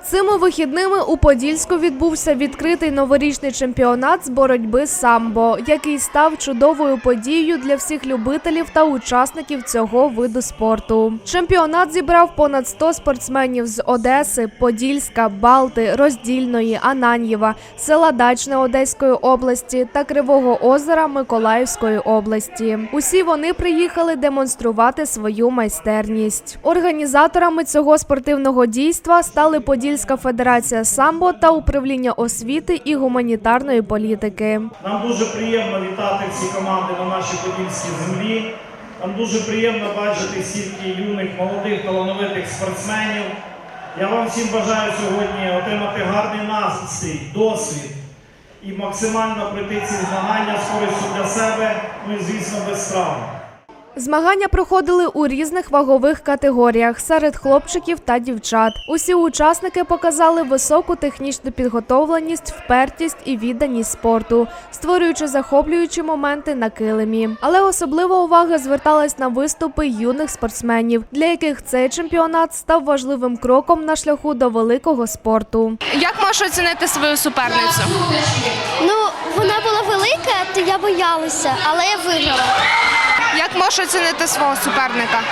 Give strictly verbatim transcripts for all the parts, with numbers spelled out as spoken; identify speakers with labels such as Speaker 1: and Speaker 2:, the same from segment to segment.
Speaker 1: Цими вихідними у Подільську відбувся відкритий новорічний чемпіонат з боротьби самбо, який став чудовою подією для всіх любителів та учасників цього виду спорту. Чемпіонат зібрав понад сто спортсменів з Одеси, Подільська, Балти, Роздільної, Ананьєва, села Дачне Одеської області та Кривого Озера Миколаївської області. Усі вони приїхали демонструвати свою майстерність. Організаторами цього спортивного дійства стали Подільська федерація самбо та управління освіти і гуманітарної політики.
Speaker 2: Нам дуже приємно вітати всі команди на нашій подільській землі. Нам дуже приємно бачити стільки юних, молодих, талановитих спортсменів. Я вам всім бажаю сьогодні отримати гарний настрій, досвід і максимально пройти ці змагання з користю для себе, ну і, звісно, без травм.
Speaker 1: Змагання проходили у різних вагових категоріях серед хлопчиків та дівчат. Усі учасники показали високу технічну підготовленість, впертість і відданість спорту, створюючи захоплюючі моменти на килимі. Але особлива увага зверталась на виступи юних спортсменів, для яких цей чемпіонат став важливим кроком на шляху до великого спорту.
Speaker 3: Як можеш оцінити свою суперницю?
Speaker 4: Ну, вона була велика, то я боялася, але я виграла.
Speaker 3: Як можеш оцінити свого суперника?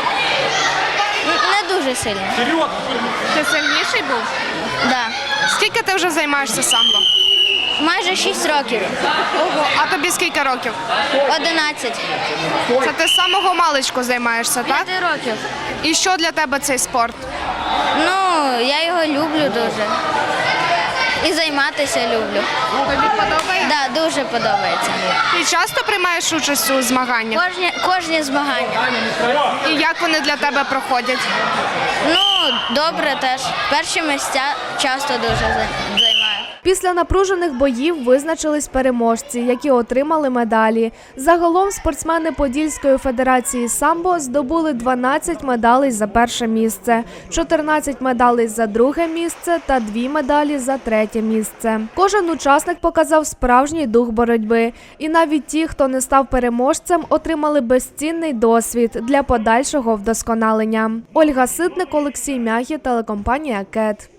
Speaker 4: Не дуже сильно.
Speaker 3: Ти сильніший був?
Speaker 4: Да.
Speaker 3: Скільки ти вже займаєшся самбо?
Speaker 4: Майже шість років.
Speaker 3: Ого, а тобі скільки років?
Speaker 4: Одинадцять.
Speaker 3: Це ти з самого маличку займаєшся, так?
Speaker 4: П'яти років.
Speaker 3: І що для тебе цей спорт?
Speaker 4: Ну, я його люблю дуже. І займатися люблю.
Speaker 3: Тобі подобається?
Speaker 4: Да, дуже подобається.
Speaker 3: Ти часто приймаєш участь у змаганнях?
Speaker 4: Кожні, кожні змагання.
Speaker 3: І як вони для тебе проходять?
Speaker 4: Ну, добре теж. Перші місця часто дуже займаю.
Speaker 1: Після напружених боїв визначились переможці, які отримали медалі. Загалом спортсмени Подільської федерації самбо здобули дванадцять медалей за перше місце, чотирнадцять медалей за друге місце та дві медалі за третє місце. Кожен учасник показав справжній дух боротьби. І навіть ті, хто не став переможцем, отримали безцінний досвід для подальшого вдосконалення. Ольга Ситник, Олексій Мягі, телекомпанія КЕТ.